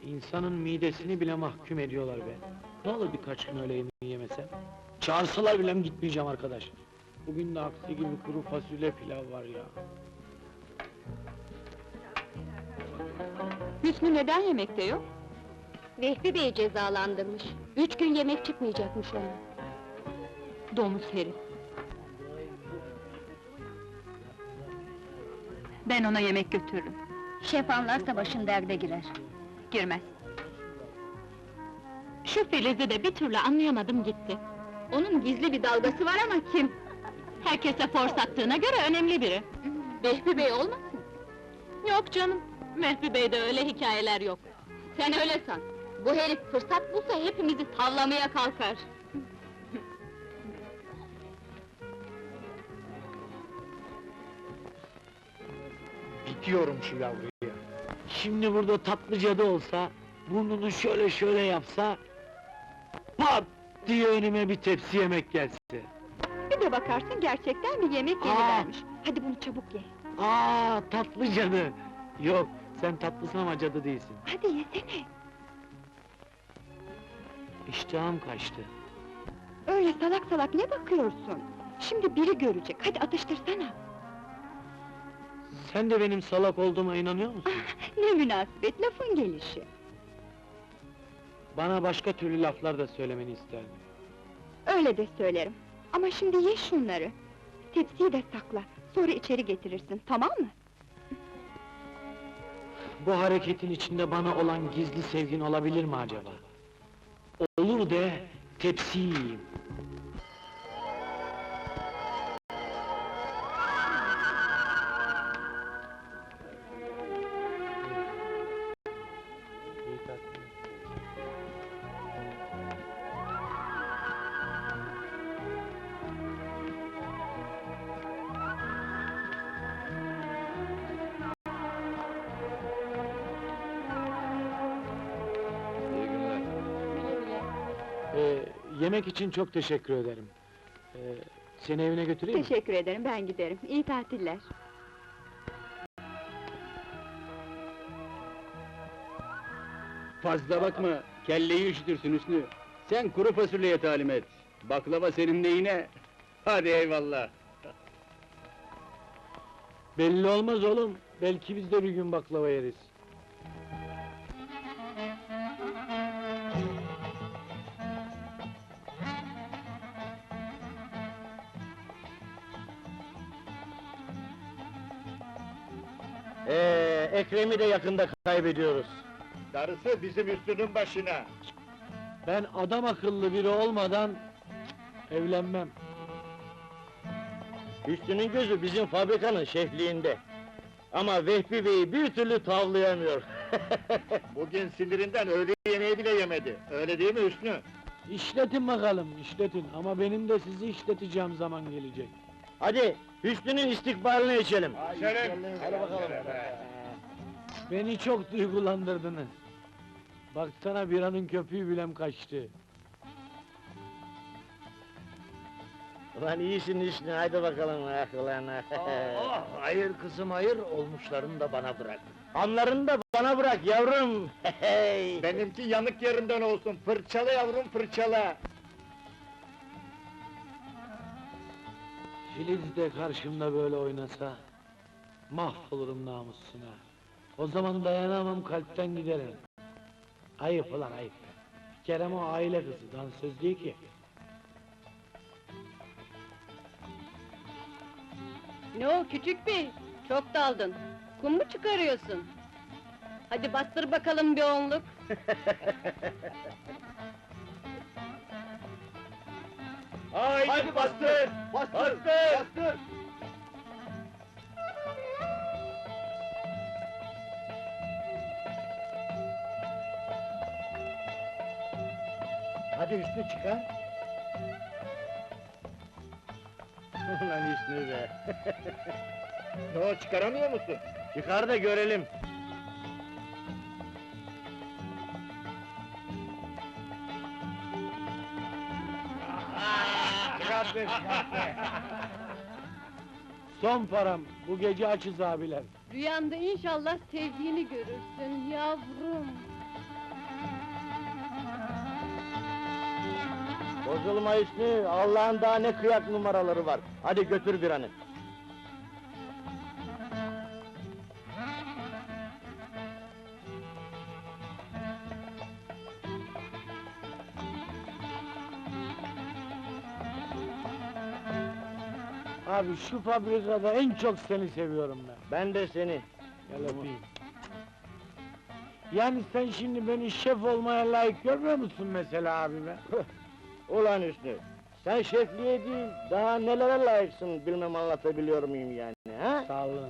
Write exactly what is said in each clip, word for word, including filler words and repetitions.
İnsanın midesini bile mahkum ediyorlar be. Ne olur birkaç gün öyle yemeği yemesem? Çağırsalar bile gitmeyeceğim arkadaş. Bugün de aksi gibi kuru fasulye pilav var ya. Hüsnü neden yemekte yok? Vehbi Bey cezalandırmış. Üç gün yemek çıkmayacakmış ona. Domuz herif! Ben ona yemek götürürüm. Şef anlarsa başın derde girer. Girmez. Şu Filiz'i de bir türlü anlayamadım gitti. Onun gizli bir dalgası var ama kim? Herkese fors attığına göre önemli biri. Vehbi Bey olmasın? Yok canım, Mehbi Bey'de öyle hikayeler yok. Sen öyle san. Bu herif fırsat bulsa hepimizi tavlamaya kalkar. Bitiyorum şu yavruya. Şimdi burada tatlı cadı olsa, burnunu şöyle şöyle yapsa... ...pat diye önüme bir tepsi yemek gelse. Bir de bakarsın gerçekten bir yemek Aa! yenivermiş. Hadi bunu çabuk ye. Aa, tatlı cadı! Yok, sen tatlısın ama cadı değilsin. Hadi yesene! İştahım kaçtı. Öyle salak salak ne bakıyorsun? Şimdi biri görecek, hadi atıştırsana! Sen de benim salak olduğuma inanıyor musun? Ne münasebet, lafın gelişi! Bana başka türlü laflar da söylemeni isterdim. Öyle de söylerim. Ama şimdi ye şunları! Tepsiyi de sakla, sonra içeri getirirsin, tamam mı? Bu hareketin içinde bana olan gizli sevgin olabilir mi acaba? Olur de, tepsiyi yiyeyim. Ee, yemek için çok teşekkür ederim. Ee, seni evine götüreyim mi? Teşekkür ederim, ben giderim. İyi tatiller! Fazla bakma, kelleyi üşütürsün Hüsnü. Sen kuru fasulyeye talim et. Baklava senin neyine? Hadi eyvallah. Belli olmaz oğlum, belki biz de bir gün baklava yeriz. Ee, Ekrem'i de yakında kaybediyoruz. Darısı bizim Hüsnü'nün başına. Ben adam akıllı biri olmadan... cık, evlenmem. Hüsnü'nün gözü bizim fabrikanın şefliğinde. Ama Vehbi Bey'i bir türlü tavlayamıyor. Bugün sinirinden öğle yemeği bile yemedi. Öyle değil mi Hüsnü? İşletin bakalım, işletin. Ama benim de sizi işleteceğim zaman gelecek. Hadi, Hüsnü'nün istikbalini içelim. İçelim. Hadi bakalım. Beni çok duygulandırdınız. Baksana biranın köpüğü bilem kaçtı. Ulan iyisin Hüsnü, hadi bakalım ah ulan ah. Oh, hayır kızım hayır, olmuşlarını da bana bırak. Anlarını da bana bırak yavrum. Hey! Benimki yanık yerinden olsun. Fırçala yavrum, fırçala. Filiz de karşımda böyle oynasa... ...mahvolurum namussuna. O zaman dayanamam, kalpten giderim. Ayıp ulan ayıp. Kerem o aile kızı, dansöz değil ki. Ne o küçük bey? Çok daldın. Kum mu çıkarıyorsun? Hadi bastır bakalım bir onluk. Haydi, Hadi bastır! Bastır! Bastır! Bastır! Hadi Hüsnü çıkar! Ulan Hüsnü be! Ne o, çıkaramıyor musun? Çıkar da görelim! Çıkarttı, çıkarttı! Son param, bu gece açız abiler. Rüyanda inşallah sevdiğini görürsün yavrum. Bozulma Hüsnü, Allah'ın daha ne kıyak numaraları var. Hadi götür bir anı. Abi şu fabrikada en çok seni seviyorum ben. Ben de seni. Gel öpeyim. Yani sen şimdi beni şef olmaya layık görmüyor musun mesela abi be? Ulan Hüsnü, sen şefliğe değil, daha nelere layıksın bilmem anlatabiliyor muyum yani, ha? Sağ olun.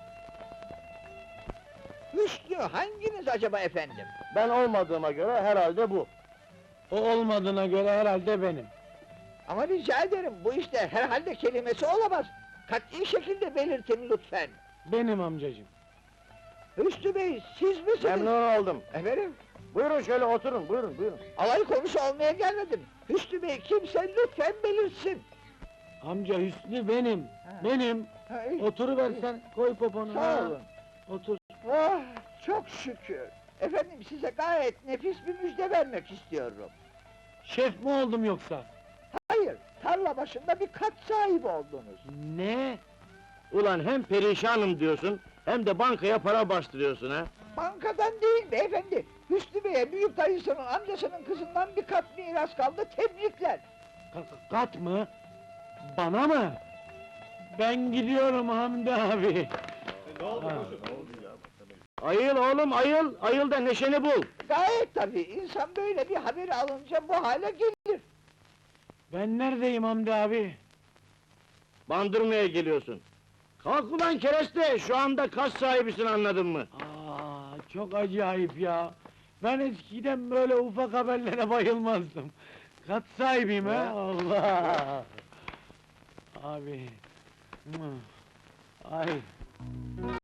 Hüsnü hanginiz acaba efendim? Ben olmadığıma göre herhalde bu. O olmadığına göre herhalde benim. Ama rica ederim bu işte herhalde kelimesi olamaz. Kat'i şekilde belirtin lütfen. Benim amcacığım. Hüsnü Bey siz misiniz? Memnun oldum. Efendim? Buyurun şöyle oturun, buyurun, buyurun. Alay konusu olmaya gelmedim. Hüsnü Bey kimse lütfen belirsin. Amca Hüsnü benim. Ha. Benim. Ha, iyi. Oturuversen, koy poponu. Sağ ha. olun. Otur. Ah, çok şükür. Efendim size gayet nefis bir müjde vermek istiyorum. Şef mi oldum yoksa? Hayır, tarla başında bir kat sahibi oldunuz. Ne? Ulan hem perişanım diyorsun, hem de bankaya para bastırıyorsun ha? Bankadan değil beyefendi. Hüsnü Bey'e büyük dayısının amcasının kızından bir kat miras kaldı, tebrikler. Ka- kat mı? Bana mı? Ben gidiyorum Hamdi abi. Ha. Ayıl oğlum, ayıl! Ayıl da neşeni bul! Gayet tabii, insan böyle bir haberi alınca bu hale gelir. Ben neredeyim Hamdi abi? Bandırmaya geliyorsun. Kalk ulan kereste, şu anda kas sahibisin anladın mı? Aa, çok acayip ya. Ben eskiden böyle ufak haberlere bayılmazdım. Kat sahibiyim ha, Allah! Abi... Ay...